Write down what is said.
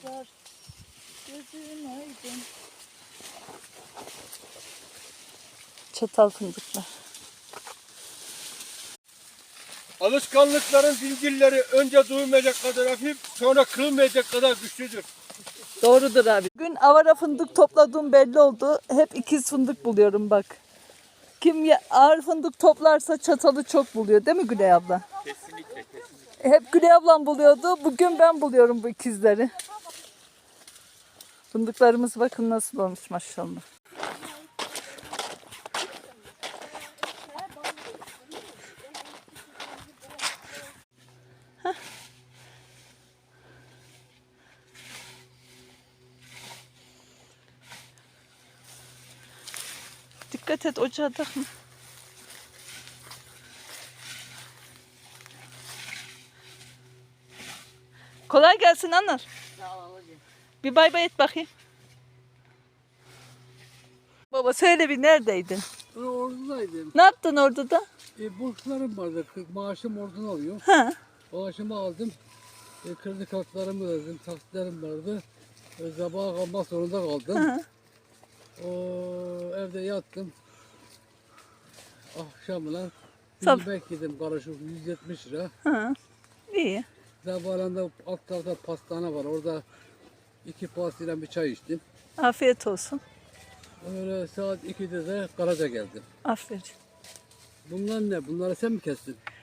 fındıklar. Gözün aydın. Çatal fındıklar. Alışkanlıkların zincirleri önce duymayacak kadar hafif, sonra kırılmayacak kadar güçlüdür. Doğrudur abi. Bugün avara fındık topladığım belli oldu. Hep ikiz fındık buluyorum bak. Kim ağır fındık toplarsa çatalı çok buluyor değil mi Gülay abla? Kesinlikle. Hep Gülay ablam buluyordu. Bugün ben buluyorum bu ikizleri. Fındıklarımız bakın nasıl olmuş maşallah. Heh. Dikkat et ocağa takma. Kolay gelsin Anar. Bir bay bay et bakayım. Baba söyle bir neredeydin? Ben ordudaydım. Ne yaptın orada da? Borçlarım vardı. Maaşım oradan alıyor. Ha. Maaşımı aldım. Kredi kartlarımı ödedim. Taksitlerim vardı. Sabaha kalmak zorunda kaldım. Ha. O, evde yattım. Akşamlar Sab- yemek yedim karışık 170 lira. Ha. İyi. Sabahında alt tarafta pastane var. Orada 2 pastayla bir çay içtim. Afiyet olsun. Öyle saat 2'de de garaja geldim. Aferin. Bunlar ne? Bunları sen mi kestin?